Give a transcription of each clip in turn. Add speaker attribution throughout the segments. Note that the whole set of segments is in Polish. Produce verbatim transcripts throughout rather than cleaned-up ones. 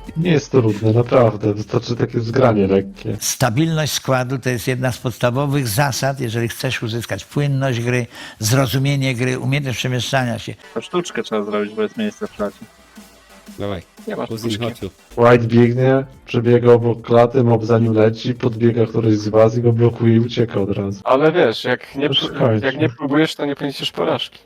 Speaker 1: Nie jest to trudne, naprawdę. Wystarczy takie zgranie lekkie.
Speaker 2: Stabilność składu to jest jedna z podstawowych zasad, jeżeli chcesz uzyskać płynność gry, zrozumienie gry, umiejętność przemieszczania się.
Speaker 3: To sztuczkę trzeba zrobić, bo jest miejsce w klacie.
Speaker 4: Dawaj,
Speaker 3: Nie masz
Speaker 4: kuzyn,
Speaker 3: sztuczki.
Speaker 4: chodź tu.
Speaker 1: White biegnie, przebiega obok klaty, mob za nim leci, podbiega któryś z was i go blokuje i ucieka od razu.
Speaker 5: Ale wiesz, jak nie,
Speaker 1: Szukajcie.
Speaker 5: jak nie próbujesz, to nie poniesiesz porażki.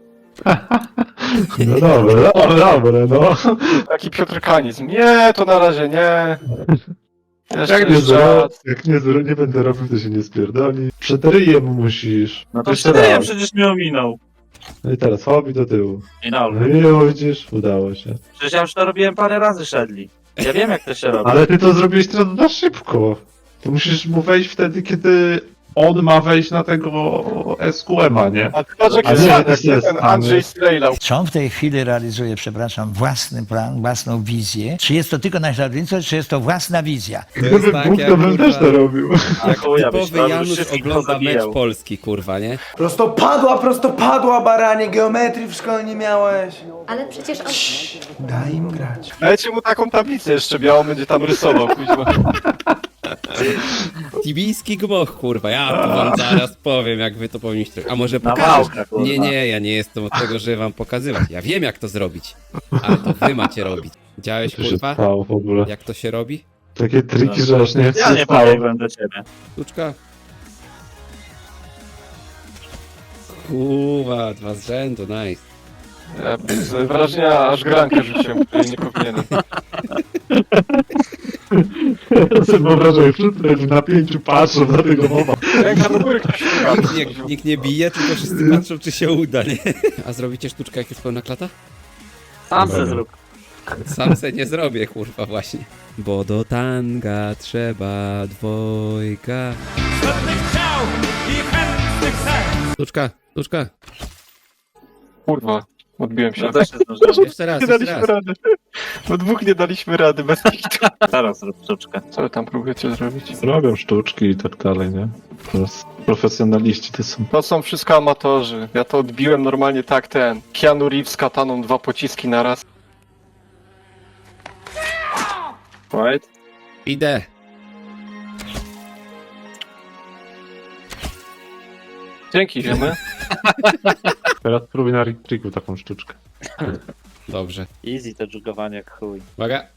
Speaker 1: No dobre, dobre, dobre, no.
Speaker 5: Taki piotrkanizm. Nie, to na razie nie. Jeszcze
Speaker 1: Jak nie,
Speaker 5: jest
Speaker 1: zro,
Speaker 5: czas.
Speaker 1: jak nie, zro, nie będę robił, to się nie spierdoli. Przed ryjem musisz.
Speaker 3: No to
Speaker 1: Jeszcze
Speaker 3: wtedy ja
Speaker 1: raz.
Speaker 3: przecież mnie ominął.
Speaker 1: No i teraz hobby do tyłu.
Speaker 3: Minął.
Speaker 1: No i widzisz, udało się.
Speaker 3: Przecież ja już to robiłem parę razy, Shedley. Ja wiem jak to się robi.
Speaker 1: Ale ty to zrobiłeś teraz na szybko. Ty musisz mu wejść wtedy, kiedy on ma wejść na tego S Q M-a, nie?
Speaker 5: A patrz jak
Speaker 1: A
Speaker 5: jest
Speaker 1: nie,
Speaker 5: ładny,
Speaker 1: to jest
Speaker 5: ten
Speaker 1: stany.
Speaker 5: Andrzej strejlał.
Speaker 2: Czy on w tej chwili realizuje, przepraszam, własny plan, własną wizję? Czy jest to tylko naśladownictwo, czy jest to własna wizja?
Speaker 4: To jest
Speaker 1: Gdyby
Speaker 4: tak,
Speaker 1: Bóg,
Speaker 4: jak
Speaker 1: to bym też to
Speaker 4: kurwa,
Speaker 1: robił.
Speaker 3: Tak, chuja byś
Speaker 4: typowy
Speaker 3: robił,
Speaker 4: Janusz
Speaker 3: wszystkich
Speaker 4: ogląda mecz
Speaker 3: pozabijał.
Speaker 4: Polski, kurwa, nie?
Speaker 6: Prostopadła, prostopadła, baranie, geometrii w szkole nie miałeś.
Speaker 7: Ale przecież on...
Speaker 6: Daj im grać.
Speaker 5: Dajcie mu taką tablicę jeszcze białą, będzie tam rysował. kuźwa.
Speaker 4: Tibijski gmoch, kurwa, ja to wam zaraz powiem, jak wy to powinniście. A może
Speaker 3: Na
Speaker 4: pokażesz?
Speaker 3: wałkę, kurwa.
Speaker 4: Nie, nie, ja nie jestem od tego, żeby wam pokazywać. Ja wiem, jak to zrobić, ale to wy macie robić. Widziałeś,
Speaker 1: Co się
Speaker 4: kurwa,
Speaker 1: stało w ogóle?
Speaker 4: jak to się robi?
Speaker 1: Takie triki, że aż nie
Speaker 3: Ja nie
Speaker 1: stało.
Speaker 3: pobiegłem do ciebie.
Speaker 4: Sztuczka. Kurwa, dwa z rzędu, nice.
Speaker 5: Ja z wrażenia aż grankę rzuciłem, której nie powinienem.
Speaker 1: Ja sobie wyobrażam, jak wszyscy tak w napięciu patrzą na tego mowa.
Speaker 5: Ręka do góry ktoś szuka.
Speaker 4: Nikt nie, nikt nie bije, tylko wszyscy patrzą, czy się uda, nie? A zrobicie sztuczkę, jak jest pełna klata?
Speaker 3: Sam se zrób.
Speaker 4: Sam se nie zrobię, kurwa, właśnie. Bo do tanga trzeba dwojga. Sztuczka, sztuczka.
Speaker 5: Kurwa, odbiłem się.
Speaker 3: No też się zdążyłem.
Speaker 4: Jeszcze raz,
Speaker 5: Nie
Speaker 4: jeszcze
Speaker 5: daliśmy
Speaker 4: raz.
Speaker 5: rady. No dwóch nie daliśmy rady bez kitu.
Speaker 3: Teraz zrób sztuczkę.
Speaker 5: Co wy tam próbujecie zrobić?
Speaker 1: Robią sztuczki i tak dalej, nie? Teraz profesjonaliści to są.
Speaker 5: To są wszystko amatorzy. Ja to odbiłem normalnie tak ten. Keanu Reeves z kataną, dwa pociski na raz.
Speaker 3: White?
Speaker 4: Idę.
Speaker 5: Dzięki, ziemy.
Speaker 1: Teraz spróbuj na Rick Tricku taką sztuczkę.
Speaker 4: Dobrze.
Speaker 3: Easy to dżugowanie jak chuj.
Speaker 4: Uwaga.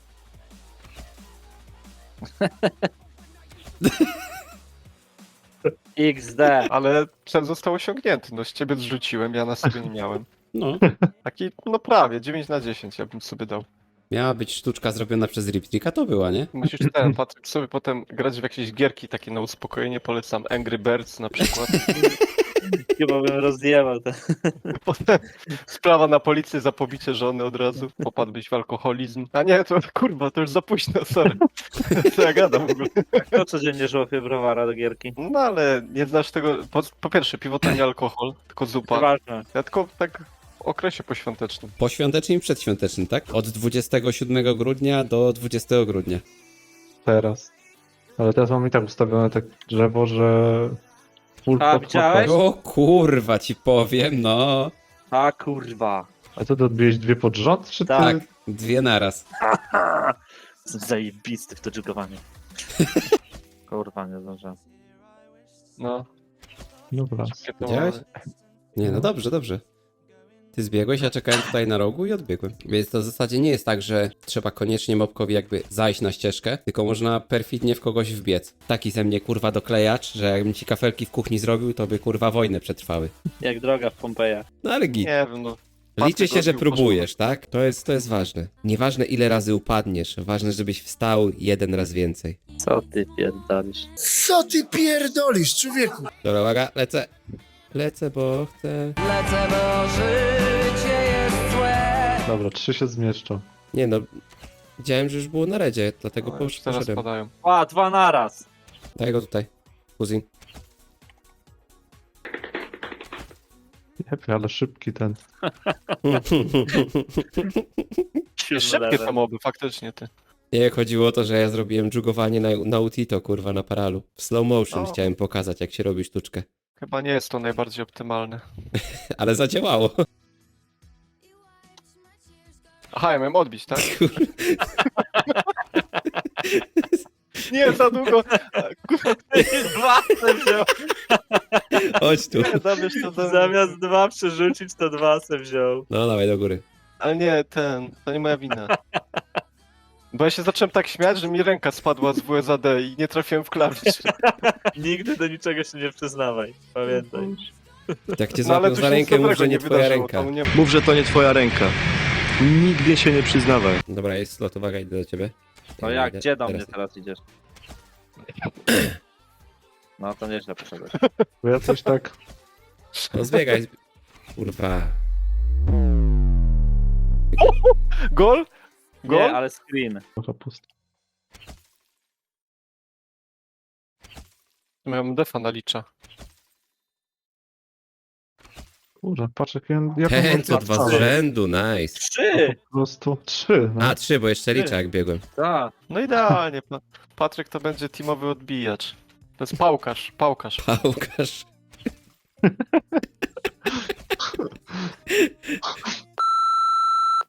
Speaker 3: X D.
Speaker 5: Ale cel został osiągnięty. No z ciebie zrzuciłem, ja na sobie nie miałem.
Speaker 4: No.
Speaker 5: Taki, no prawie, dziewięć na dziesięć ja bym sobie dał.
Speaker 4: Miała być sztuczka zrobiona przez Riptrika, to była, nie?
Speaker 5: Musisz ten, Patryk, sobie potem grać w jakieś gierki takie na uspokojenie, polecam Angry Birds na przykład.
Speaker 3: Chyba bym rozjebał to.
Speaker 5: Potem sprawa na policję za pobicie żony od razu, popadłbyś w alkoholizm. A nie, to kurwa, to już za późno, sorry. Co ja gadam w ogóle?
Speaker 3: Kto codziennie żłopie browara do gierki?
Speaker 5: No ale nie znasz tego, po, po pierwsze piwo to nie alkohol, tylko zupa.
Speaker 3: Ważne.
Speaker 5: Ja tylko tak w okresie poświątecznym.
Speaker 4: Poświątecznym i przedświątecznym, tak? Od dwudziestego siódmego grudnia do dwudziestego grudnia.
Speaker 1: Teraz. Ale teraz mam i tak ustawione tak drzewo, że... Full
Speaker 3: A,
Speaker 1: pod-
Speaker 3: widziałeś?
Speaker 4: O kurwa, ci powiem, no.
Speaker 3: A kurwa.
Speaker 1: A co, to odbiłeś dwie pod rząd, czy ty?
Speaker 4: Tak, dwie naraz.
Speaker 3: Jestem zajebisty w to dżugowanie. Kurwa, nie zdążyłem.
Speaker 5: No.
Speaker 1: Dobra.
Speaker 5: Wszystkie to
Speaker 4: Widziałeś? Nie, no dobrze, dobrze. Ty zbiegłeś, ja czekałem tutaj na rogu i odbiegłem. Więc to w zasadzie nie jest tak, że trzeba koniecznie mobkowi jakby zajść na ścieżkę, tylko można perfidnie w kogoś wbiec. Taki ze mnie kurwa doklejacz, że jakbym ci kafelki w kuchni zrobił, to by kurwa wojnę przetrwały.
Speaker 3: Jak droga w Pompeja.
Speaker 4: No ale git.
Speaker 5: Nie wiem, no.
Speaker 4: Liczy się, że
Speaker 5: Patryk
Speaker 4: próbujesz, tak? To jest, to jest ważne. Nieważne ile razy upadniesz, ważne, żebyś wstał jeden raz więcej.
Speaker 3: Co ty pierdolisz?
Speaker 8: Co ty pierdolisz, człowieku?
Speaker 4: Dobra, uwaga, lecę. Lecę, bo chcę...
Speaker 1: Dobra, trzy się zmieszczą.
Speaker 4: Nie no, widziałem, że już było na redzie, dlatego
Speaker 5: No, już teraz
Speaker 4: poszedłem.
Speaker 5: padają.
Speaker 3: A, dwa naraz.
Speaker 4: Daj go tutaj, kuzyn.
Speaker 1: Jepie, ale szybki ten.
Speaker 5: Szybkie te moby, faktycznie ty.
Speaker 4: Nie, chodziło o to, że ja zrobiłem dżugowanie na, na Utito, kurwa, na paralu. W slow motion
Speaker 5: O.
Speaker 4: chciałem pokazać, jak się robi sztuczkę.
Speaker 5: Chyba nie jest to najbardziej optymalne.
Speaker 4: Ale zadziałało.
Speaker 5: Aha, ja miałem odbić, tak? Nie, za długo.
Speaker 3: Dwa se wziął.
Speaker 4: Chodź tu.
Speaker 5: Nie, zabierz to do...
Speaker 3: Zamiast dwa przerzucić, to dwa se wziął.
Speaker 4: No, dawaj do góry.
Speaker 5: Ale nie, ten, to nie moja wina. Bo ja się zacząłem tak śmiać, że mi ręka spadła z W S A D i nie trafiłem w klawisz.
Speaker 3: Nigdy do niczego się nie przyznawaj. Pamiętaj.
Speaker 4: Jak cię
Speaker 5: No ale
Speaker 4: złapią
Speaker 5: tu
Speaker 4: za
Speaker 5: się nic
Speaker 4: rękę, mów,
Speaker 5: dobrego
Speaker 4: że nie
Speaker 5: nie
Speaker 4: twoja
Speaker 5: wydarzyło.
Speaker 4: ręka.
Speaker 5: Tam nie...
Speaker 7: Mów, że to nie twoja ręka. Nigdy się nie przyznawaj.
Speaker 4: Dobra, jest slot, uwaga, idę do ciebie.
Speaker 3: No
Speaker 4: Ja
Speaker 3: jak,
Speaker 4: idę
Speaker 3: gdzie do
Speaker 4: teraz.
Speaker 3: mnie teraz idziesz? No to nieźle poszedłeś.
Speaker 1: Bo ja coś tak...
Speaker 4: No zbiegaj. zb- Kurwa.
Speaker 5: Gol? Gol?
Speaker 3: Nie, ale screen.
Speaker 1: Trochę pusto.
Speaker 5: Miałem defa nalicza.
Speaker 1: Kurwa, patrz jak ja... jak
Speaker 4: Ten, co dwa z
Speaker 1: patrzałem.
Speaker 4: rzędu, nice.
Speaker 3: Trzy!
Speaker 1: Po prostu trzy. No.
Speaker 4: A, trzy, bo jeszcze liczę jak biegłem.
Speaker 3: Tak.
Speaker 5: No idealnie. Pa- Patryk to będzie teamowy odbijacz. To jest pałkarz, pałkarz.
Speaker 4: Pałkarz.